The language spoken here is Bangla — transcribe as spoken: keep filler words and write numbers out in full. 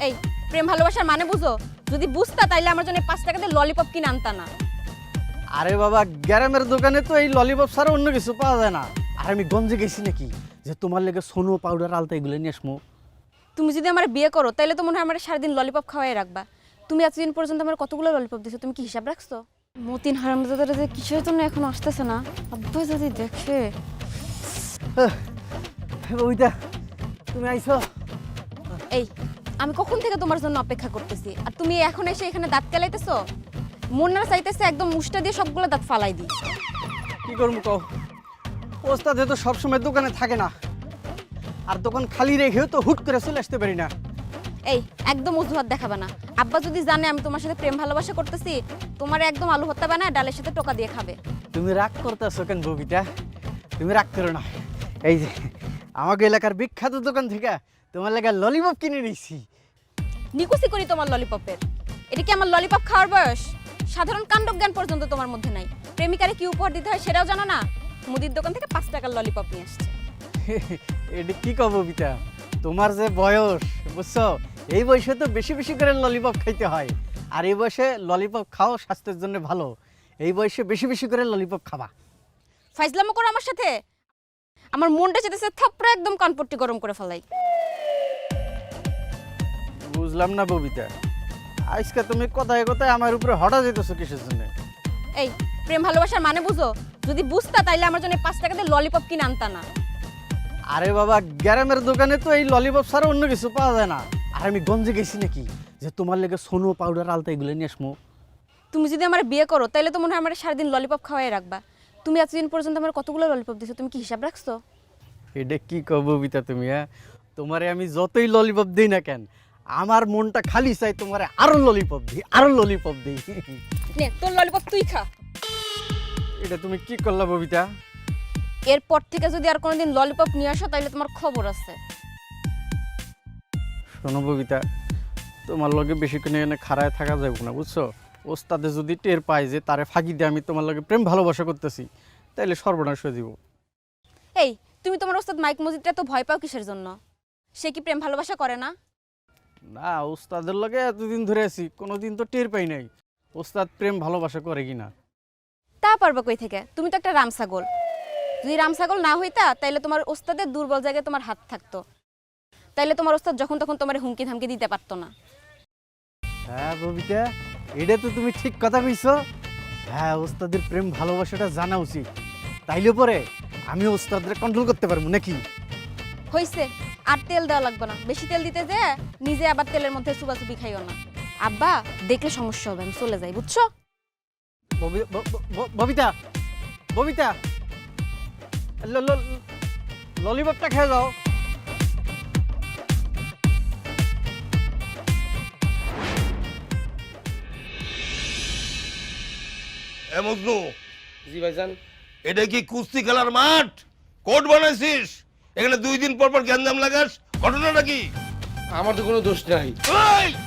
এই প্রেম ভালোবাসার মানে বুঝো? যদি বুঝতা তাইলে আমার জন্য পাঁচ টাকা দিয়ে ললিপপ কিনে আনতা না। আরে বাবা, গ্যারামের দোকানে তো এই ললিপপ ছাড়া অন্য কিছু পাওয়া যায় না। আর আমি গঞ্জে গেছি নাকি যে তোমার লেগে সোনো পাউডার আলতা এগুলো নিয়ে আসমো। তুমি যদি আমার বিয়ে করো তাইলে তো মনে হয় আমার সারাদিন ললিপপ খাওয়াই রাখবা। তুমি এতদিন পর্যন্ত আমার কতগুলো ললিপপ দিছো, তুমি কি হিসাব রাখছো? মতিন হারামজাদারা যে কিসের জন্য এখন আসতেছে না, আব্বা যদি দেখে। ওইটা তুমি আইছো? এই আমি কখন থেকে তোমার জন্য অপেক্ষা করতেছি, আর তুমি এখন এসে এখানে দাঁত কেলাইতেছো? মন না চাইতেছে একদম মুষ্টা দিয়ে সবগুলো দাঁত ফালাই দিই। কি করবো কও, ওস্তাদ তো সবসময় দোকানে থাকে না, আর দোকান খালি রেখেও তো হুট করে চলে আসতে পারি না। এই একদম অজুহাত দেখাবে না। আব্বা যদি জানে আমি তোমার সাথে প্রেম ভালোবাসা করতেছি, তোমার একদম আলু ভর্তা বানায় ডালের সাথে টোকা দিয়ে খাবে। তুমি রাগ করতেছো কেন ববিতা? তুমি রাগ করো না। এই যে আমাকে এলাকার বিখ্যাত দোকান থেকে তোমার লেগে ললিপপ কিনে নিয়েছি। নিকুচি করি তোমার ললিপপের। এটা কি আমার ললিপপ খাওয়ার বয়স? সাধারণ কাণ্ডজ্ঞান পর্যন্ত তোমার মধ্যে নাই। প্রেমিকারে কি উপহার দিতে হয় সেটাও জানো না। মুদির দোকান থেকে পাঁচ টাকার ললিপপ নিয়ে আসছে। এটা কি কব ববিতা, তোমার যে বয়স বুঝছো, এই বয়সে তো বেশি বেশি করে ললিপপ খাইতে হয়। আর এই বয়সে ললিপপ খাও স্বাস্থ্যের জন্য ভালো। এই বয়সে বেশি বেশি করে ললিপপ খাবা। ফাইজলামো করো আমার সাথে? আমার মনটা চেতেছে থাপড়া একদম কানপট্টি গরম করে ফেলাই। বুঝলাম না ববিতা, আজকে তুমি কথায় কথায় আমার উপরে হঠাৎ যেতেছো কিসের জন্য? এই প্রেম ভালোবাসার মানে বুঝো? যদি বুঝতা তাইলে আমার জন্য পাঁচ টাকা দিয়ে ললিপপ কিনে আনতা না। আরে বাবা, গ্যারামের দোকানে তো এই ললিপপ ছাড়া অন্য কিছু পাওয়া যায় না। আর আমি গঞ্জে গেছি নাকি যে তোমার লেগে সোনো পাউডার আলতা এগুলো নিয়ে আসমো। তুমি যদি আমার বিয়ে করো তাইলে তো মনে হয় আমার সারাদিন ললিপপ খাওয়াই রাখবা। তুমি এতদিন পর্যন্ত আমার কতগুলো ললিপপ দিছো, তুমি কি হিসাব রাখছো? এটা কি কব ববিতা তুমি? হ্যাঁ, তোমারে আমি যতই ললিপপ দিই না কেন, আমার মনটা খালি চাই তোমারে আরো ললিপপ দিই, আরো ললিপপ দিই। নে তোর ললিপপ তুই খা। এটা তুমি কি করলা ববিতা? এরপর থেকে যদি আর কোনোদিন ললিপপ নিয়ে আসো তাহলে তোমার খবর আছে। শোনো ববিতা, তোমার লগে বেশিক্ষণ এখানে খাড়ায় থাকা যাবে না বুঝছো। ওস্তাদে যদি টের পায় যে তারে ফাঁকি দিয়ে আমি তোমার লগে প্রেম ভালোবাসা করতেছি, তাইলে সর্বনাশ হয়ে দিব। এই তুমি তোমার ওস্তাদ মাইক মজিদটা তো ভয় পাও কিসের জন্য? সে কি প্রেম ভালোবাসা করে না? না, ওস্তাদের লগে এতদিন ধরে আছি, কোনোদিন তো টের পাই নাই ওস্তাদ প্রেম ভালোবাসা করে কিনা। তা পারবা কই থেকে? তুমি তো একটা রামছাগল। যদি রামছাগল না হইতা তাইলে তোমার ওস্তাদের দুর্বল জায়গায় তোমার হাত থাকতো। তাইলে তোমার ওস্তাদ যখন তখন তোমার হুমকি ধামকি দিতে পারতো না। হ্যাঁ ববিতা, এটা তো তুমি ঠিক কথা কইছো। হ্যাঁ, ওস্তাদের প্রেম ভালোবাসাটা জানা উচিত, তাইলে পরে আমি ওস্তাদের কন্ট্রোল করতে পারবো নাকি। হইছে, আর তেল দেওয়া লাগবে না। বেশি তেল দিতে যে নিজে আবার তেলের মধ্যে চুবাচুবি খাইও না। আব্বা দেখলে সমস্যা হবে, আমি চলে যাই বুঝছো? ববি- ব- ব- ব- ববিতা, ববিতা, ল- ল- ললিপপটা খেয়ে যাও। এ মজনু, জি ভাইজান। এটা কি কুস্তি খেলার মাঠ? কোর্ট বানাইছিস? এখানে দুই দিন পর পর গ্যাঞ্জাম লাগাস, ঘটনাটা কি? আমার তো কোনো দোষ নাই। এই